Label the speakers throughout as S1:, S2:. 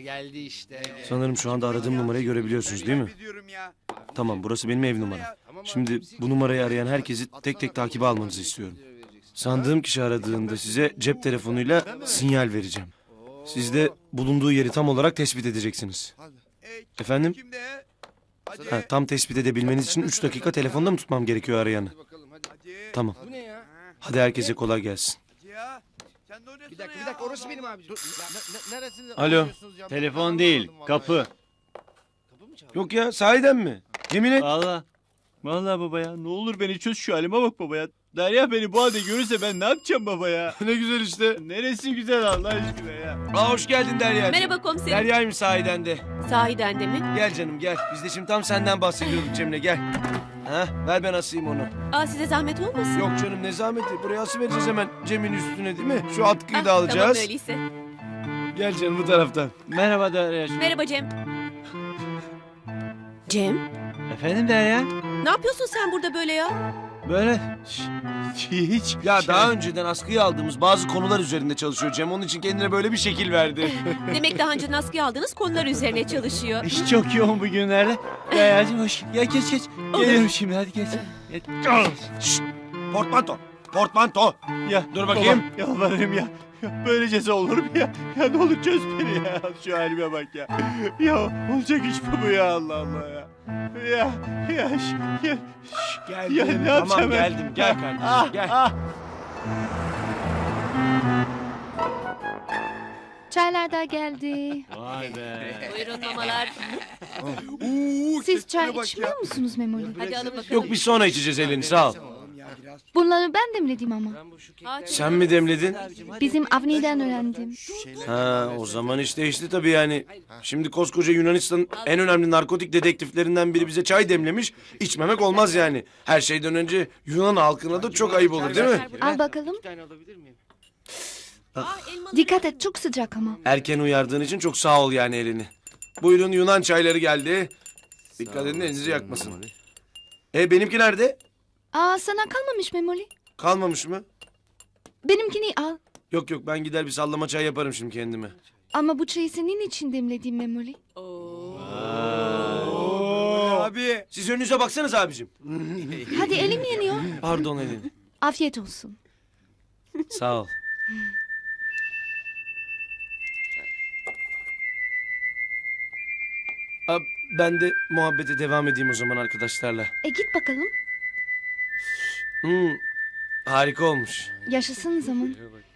S1: geldi işte.
S2: Sanırım şu anda aradığım numarayı görebiliyorsunuz değil mi? Tamam, burası benim ev numaram. Şimdi bu numarayı arayan herkesi tek tek takibe almanızı istiyorum. Sandığım kişi aradığında size cep telefonuyla sinyal vereceğim. Siz de bulunduğu yeri tam olarak tespit edeceksiniz. Efendim? Ha, tam tespit edebilmeniz için 3 dakika telefonda mı tutmam gerekiyor arayanı? Tamam.
S1: Bu ne ya?
S2: Hadi herkese kolay gelsin.
S1: Bir dakika orası benim abi. Neresinde?
S2: Alo.
S3: Telefon değil, kapı.
S2: Yok ya, sahiden mi? Yemin et.
S3: Vallahi baba ya, ne olur beni çöz, şu halime bak baba ya. Derya beni bu halde görürse ben ne yapacağım baba ya?
S2: Ne güzel işte.
S3: Neresi güzel Allah aşkına ya.
S2: Aa, hoş geldin Derya'cığım.
S4: Merhaba komiserim.
S2: Derya'ymış sahiden de.
S4: Sahiden de mi?
S2: Gel canım gel. Biz de şimdi tam senden bahsediyorduk Cemile, gel. Ha, ver ben asayım onu.
S4: Aa, size zahmet olmasın?
S2: Yok canım, ne zahmeti. Buraya asıvereceğiz hemen Cem'in üstüne değil mi? Şu atkıyı
S4: Ah,
S2: da alacağız.
S4: Tamam öyleyse.
S2: Gel canım bu taraftan.
S3: Merhaba Derya'cığım.
S4: Merhaba Cem. Cem,
S3: Efendim Derya?
S4: ne yapıyorsun sen burada böyle ya?
S3: Böyle hiç.
S2: Ya daha önceden askıya aldığımız bazı konular üzerinde çalışıyor Cem. Onun için kendine böyle bir şekil verdi.
S4: Demek daha önce askıya aldığınız konular üzerine çalışıyor.
S3: İş çok yoğun bugünlerde. Derya'cığım hoş. Ya geç. Geliyorum şimdi hadi geç.
S2: Şşt! Portmanto. Portmanto.
S3: Ya
S2: Dur bakayım.
S3: Baba, yalvarırım ya. Ya böylecesi olur mu ya? Ya ne olur çöz beni ya. Şu halime bak ya. Ya olacak iş mi bu ya Allah Allah ya. Ya
S2: Geldim.
S3: Ya ne yapacağım
S2: Tamam
S3: ben?
S2: geldim. Gel kardeşim gel.
S5: Çaylar da geldi.
S3: Vay be.
S4: Buyurun mamalar.
S5: Siz çay içmiyor musunuz Memoli?
S4: Hadi alın bakalım.
S2: Yok, biz sonra içeceğiz Eleni, sağ ol.
S5: Bunları ben demledim ama.
S2: Sen mi demledin?
S5: Bizim Avni'den öğrendim.
S2: Ha, o zaman iş değişti tabii yani. Şimdi koskoca Yunanistan'ın en önemli narkotik dedektiflerinden biri bize çay demlemiş. İçmemek olmaz yani. Her şeyden önce Yunan halkına da çok ayıp olur değil mi?
S5: Al bakalım.
S4: Aa, elmaları-
S5: Dikkat et, çok sıcak ama.
S2: Erken uyardığın için çok sağ ol yani Eleni. Buyurun, Yunan çayları geldi. Dikkat edin elinizi yakmasın. Benimki nerede?
S5: Aa, sana kalmamış Memoli.
S2: Kalmamış mı?
S5: Benimkini al.
S2: Yok ben gider bir sallama çay yaparım şimdi kendime.
S5: Ama bu çayı senin için demledim Memoli.
S2: Abi. Siz önünüze baksanız abicim.
S5: Hadi elim yanıyor.
S2: Pardon Eleni.
S5: Afiyet olsun.
S2: Sağ ol. Ben de muhabbete devam edeyim o zaman arkadaşlarla.
S5: Git bakalım.
S2: Harika olmuş.
S5: Yaşasın zaman.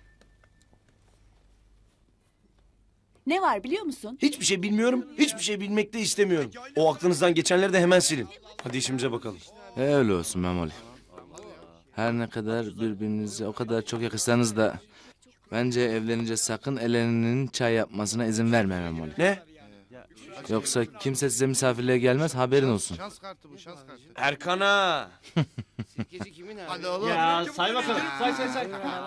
S6: Ne var biliyor musun?
S2: Hiçbir şey bilmiyorum, hiçbir şey bilmek de istemiyorum. O aklınızdan geçenleri de hemen silin. Hadi işimize bakalım.
S7: Öyle olsun Memoli. Her ne kadar birbirinizi o kadar çok yakışsanız da bence evlenince sakın Eleni'nin çay yapmasına izin verme Memoli.
S2: Ne?
S7: Yoksa kimse size misafirliğe gelmez, haberin olsun.
S2: Erkan'a.
S1: Hadi oğlum.
S3: Ya say bakalım. Say.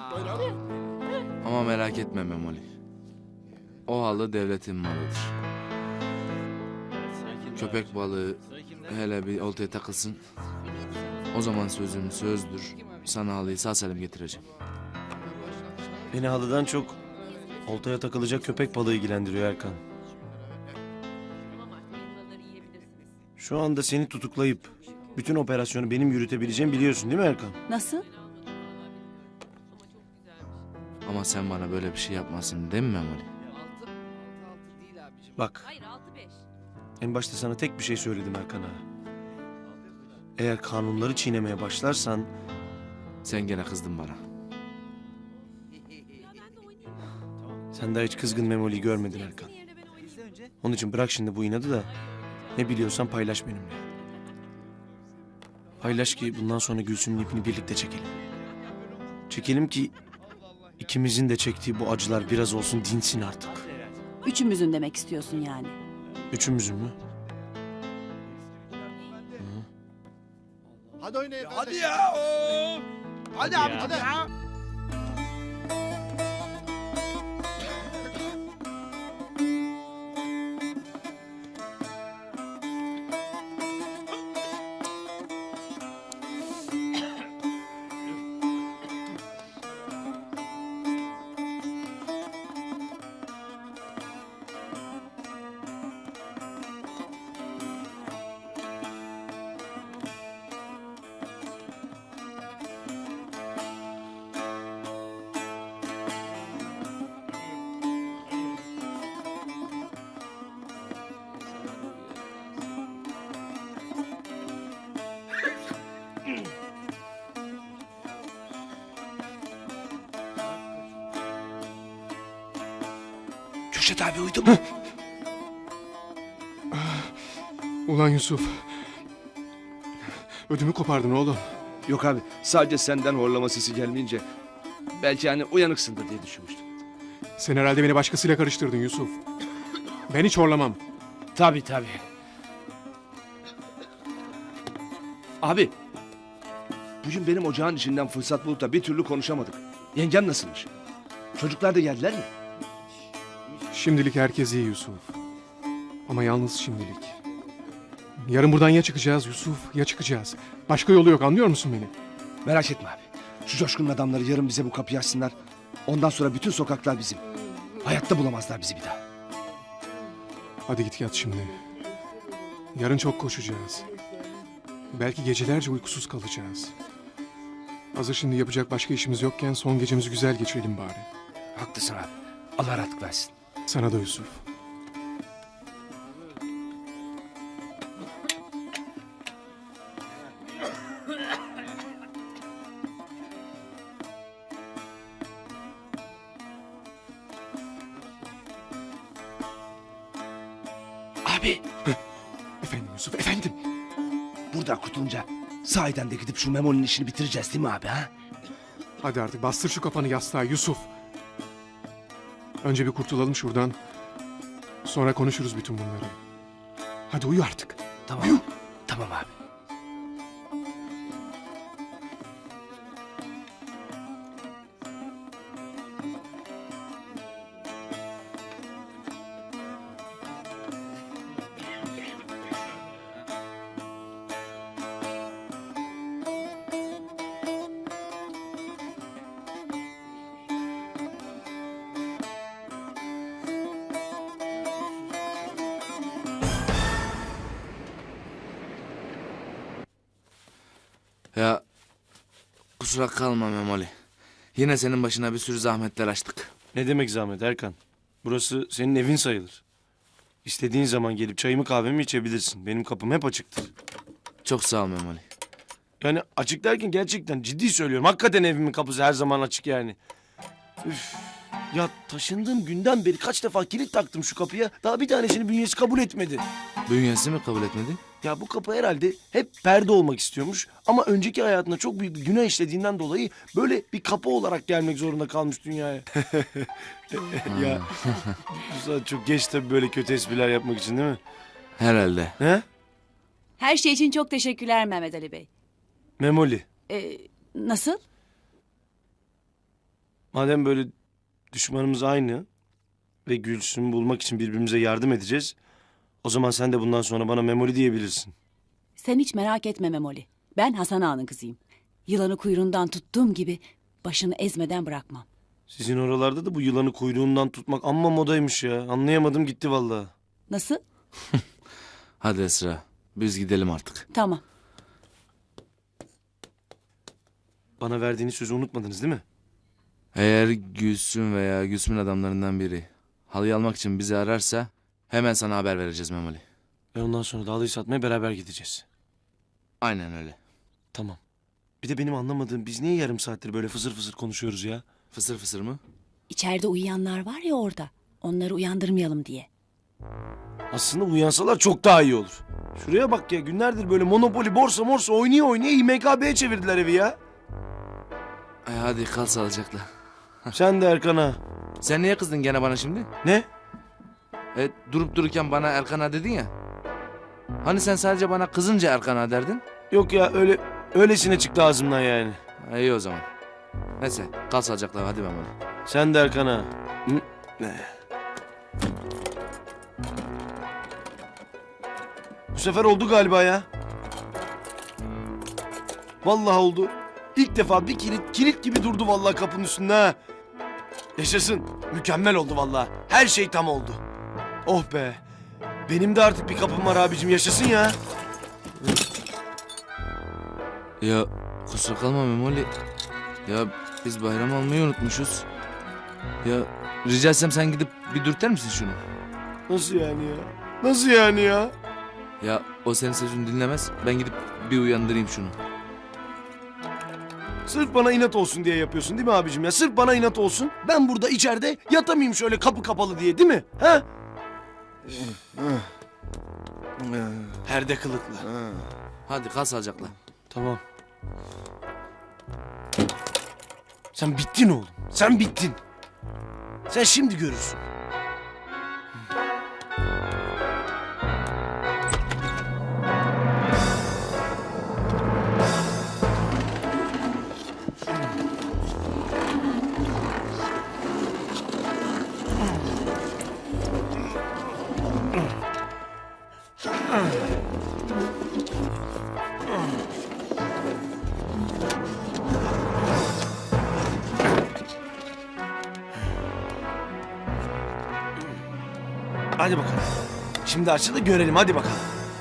S7: Ama merak etme Memoli. O halı devletin malıdır. Köpek balığı hele bir oltaya takılsın. O zaman sözüm sözdür. Sana halıyı sağ salim getireceğim.
S2: Beni halıdan çok oltaya takılacak köpek balığı ilgilendiriyor Erkan. Şu anda seni tutuklayıp bütün operasyonu benim yürütebileceğimi biliyorsun değil mi Erkan?
S6: Nasıl?
S7: Ama sen bana böyle bir şey yapmasın değil mi Memoli?
S2: Bak,
S4: Hayır 6-5.
S2: en başta sana tek bir şey söyledim Erkan ağa. Eğer kanunları çiğnemeye başlarsan
S7: Sen gene kızdın bana.
S2: sen daha hiç kızgın Memoli'yi görmedin Erkan. Onun için bırak şimdi bu inadı da ne biliyorsan paylaş benimle. Paylaş ki bundan sonra Gülsüm'ün ipini birlikte çekelim. Çekelim ki ikimizin de çektiği bu acılar biraz olsun dinsin artık.
S6: Üçümüzün demek istiyorsun yani.
S2: Üçümüzün mü?
S1: Hadi oynayın. Hadi ya. Hadi abi hadi.
S2: Kürşat abi uyudu mu?
S8: Ulan Yusuf. Ödümü kopardın oğlum.
S1: Yok abi sadece senden horlama sesi gelmeyince belki hani uyanıksındır diye düşünmüştüm.
S8: Sen herhalde beni başkasıyla karıştırdın Yusuf. Ben hiç horlamam.
S1: Tabii. Abi bugün benim ocağın içinden fırsat bulup da bir türlü konuşamadık. Yengem nasılmış? Çocuklar da geldiler mi?
S8: Şimdilik herkes iyi Yusuf. Ama yalnız şimdilik. Yarın buradan ya çıkacağız Yusuf ya çıkacağız. Başka yolu yok, anlıyor musun beni?
S1: Merak etme abi. Şu Coşkun'un adamları yarın bize bu kapıyı açsınlar. Ondan sonra bütün sokaklar bizim. Hayatta bulamazlar bizi bir daha.
S8: Hadi git yat şimdi. Yarın çok koşacağız. Belki gecelerce uykusuz kalacağız. Hazır şimdi yapacak başka işimiz yokken son gecemizi güzel geçirelim bari.
S1: Haklısın abi. Allah rahatlık versin.
S8: Sana da Yusuf.
S1: Abi
S8: Efendim Yusuf, efendim.
S1: buradan kurtulunca sahiden de gidip şu Memo'nun işini bitireceğiz değil mi abi ha?
S8: Hadi artık bastır şu kafanı yastığa Yusuf. Önce bir kurtulalım şuradan. Sonra konuşuruz bütün bunları. Hadi uyu artık.
S1: Tamam. Tamam abi.
S7: Ya kusura kalma Memoli. Yine senin başına bir sürü zahmetler açtık.
S2: Ne demek zahmet Erkan? Burası senin evin sayılır. İstediğin zaman gelip çayımı kahvemi içebilirsin. Benim kapım hep açıktır.
S7: Çok sağ ol Memoli.
S2: Yani açık derken gerçekten ciddi söylüyorum. Hakikaten evimin kapısı her zaman açık yani. Üf. Ya taşındığım günden beri kaç defa kilit taktım şu kapıya. Daha bir tanesini bünyesi kabul etmedi.
S7: Bünyesi mi kabul etmedi?
S2: Ya bu kapı herhalde hep perde olmak istiyormuş. Ama önceki hayatında çok büyük bir günah işlediğinden dolayı böyle bir kapı olarak gelmek zorunda kalmış dünyaya. Ya bu saat çok geç tabii böyle kötü espriler yapmak için değil mi?
S7: Herhalde.
S2: He?
S6: Her şey için çok teşekkürler Mehmet Ali Bey.
S2: Memoli.
S6: Nasıl?
S2: Madem böyle düşmanımız aynı ve Gülsüm'ü bulmak için birbirimize yardım edeceğiz. O zaman sen de bundan sonra bana Memoli diyebilirsin.
S6: Sen hiç merak etme Memoli. Ben Hasan Ağa'nın kızıyım. Yılanı kuyruğundan tuttuğum gibi başını ezmeden bırakmam.
S2: Sizin oralarda da bu yılanı kuyruğundan tutmak amma modaymış ya. Anlayamadım gitti vallahi.
S6: Nasıl?
S7: Hadi Esra. Biz gidelim artık.
S6: Tamam.
S2: Bana verdiğiniz sözü unutmadınız değil mi?
S7: Eğer Gülsüm veya Gülsüm'ün adamlarından biri halıyı almak için bizi ararsa hemen sana haber vereceğiz Memoli.
S2: Ve ondan sonra da halıyı satmaya beraber gideceğiz.
S7: Aynen öyle.
S2: Tamam. Bir de benim anlamadığım biz niye yarım saattir böyle fısır fısır konuşuyoruz ya?
S7: Fısır fısır mı?
S6: İçeride uyuyanlar var ya orada. Onları uyandırmayalım diye.
S2: Aslında uyansalar çok daha iyi olur. Şuraya bak ya günlerdir böyle Monopoly, borsa morsa oynaya IMKB'ye çevirdiler evi ya.
S7: Hadi kal sağlıcakla.
S2: Sen de Erkan'a.
S7: Sen niye kızdın gene bana şimdi?
S2: Ne?
S7: Durup dururken bana Erkan'a dedin ya. Hani sen sadece bana kızınca Erkan'a derdin?
S2: Yok ya öylesine çıktı ağzımdan yani.
S7: İyi o zaman. Neyse kal sağlıcakla hadi Memoli.
S2: Sen de Erkan'a. Ne? Bu sefer oldu galiba ya. Vallahi oldu. İlk defa bir kilit gibi durdu vallahi kapının üstünde ha. Yaşasın. Mükemmel oldu vallahi. Her şey tam oldu. Oh be. Benim de artık bir kapım var abicim yaşasın ya.
S7: Ya kusura kalma Memoli. Ya biz bayram almayı unutmuşuz. Ya rica etsem sen gidip bir dürter misin şunu?
S2: Nasıl yani ya? Nasıl yani ya?
S7: Ya o senin sözünü dinlemez. Ben gidip bir uyandırayım şunu.
S2: Sırf bana inat olsun diye yapıyorsun değil mi abicim ya? Sırf bana inat olsun. Ben burada içeride yatamayayım şöyle kapı kapalı diye değil mi? Ha? Perde kılıklı.
S7: Hadi kal sağlıcakla.
S2: Tamam. Sen bittin oğlum. Sen bittin. Sen şimdi görürsün. Hadi bakalım. Şimdi açı da görelim hadi bakalım.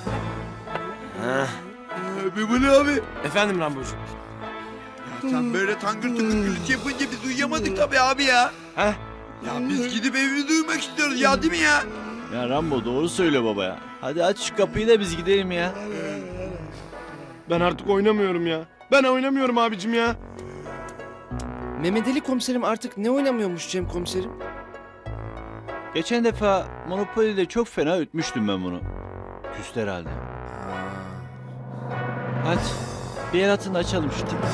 S3: Memoli abi.
S2: Efendim Rambocuğum.
S3: Sen böyle tangır tıngır gürültü yapınca biz uyuyamadık tabii abi ya.
S2: Ha?
S3: Ya biz gidip evimizi uyumak istiyoruz ya değil mi ya?
S9: Ya Rambo doğru söyle baba ya. Hadi aç şu kapıyı da biz gidelim ya.
S2: Ben artık oynamıyorum ya. Ben oynamıyorum abicim ya.
S10: Mehmet Ali komiserim artık ne oynamıyormuş Cem komiserim?
S9: Geçen defa Monopoly'de çok fena ütmüştüm ben bunu. Küstü herhalde. Hadi bir el atın da açalım şu tipi.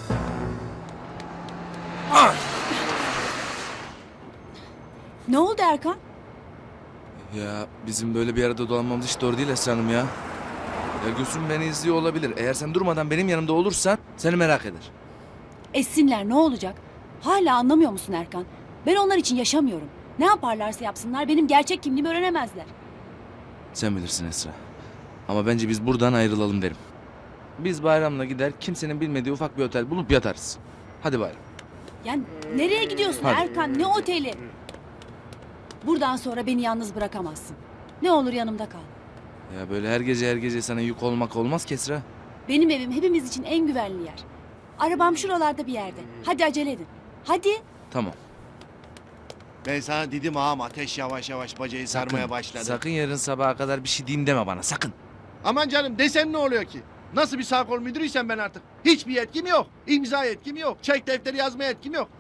S6: Ne oldu Erkan?
S7: Ya bizim böyle bir arada dolanmamız hiç doğru değil Esra Hanım ya. Ya Gülsüm beni izliyor olabilir. Eğer sen durmadan benim yanımda olursan seni merak eder.
S6: Etsinler ne olacak? Hala anlamıyor musun Erkan? Ben onlar için yaşamıyorum. Ne yaparlarsa yapsınlar benim gerçek kimliğimi öğrenemezler.
S7: Sen bilirsin Esra. Ama bence biz buradan ayrılalım derim. Biz Bayram'la gider kimsenin bilmediği ufak bir otel bulup yatarız. Hadi Bayram.
S6: Yani nereye gidiyorsun
S7: Hadi.
S6: Erkan? Ne oteli? Buradan sonra beni yalnız bırakamazsın. Ne olur yanımda kal.
S7: Ya böyle her gece sana yük olmak olmaz ki Esra.
S6: Benim evim hepimiz için en güvenli yer. Arabam şuralarda bir yerde. Hadi acele edin. Hadi.
S7: Tamam.
S3: Ben sana dedim ağam ateş yavaş yavaş bacayı sarmaya başladı.
S7: Sakın yarın sabaha kadar bir şey diyeyim deme bana sakın.
S3: Aman canım desem ne oluyor ki? Nasıl bir sağ kol müdürüysem ben artık. Hiçbir yetkim yok. İmza yetkim yok. Çek defteri yazma yetkim yok.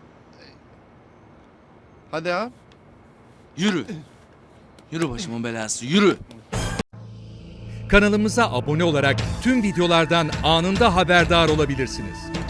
S3: Hadi ağam.
S7: Yürü. Yürü başımın belası yürü.
S11: Kanalımıza abone olarak tüm videolardan anında haberdar olabilirsiniz.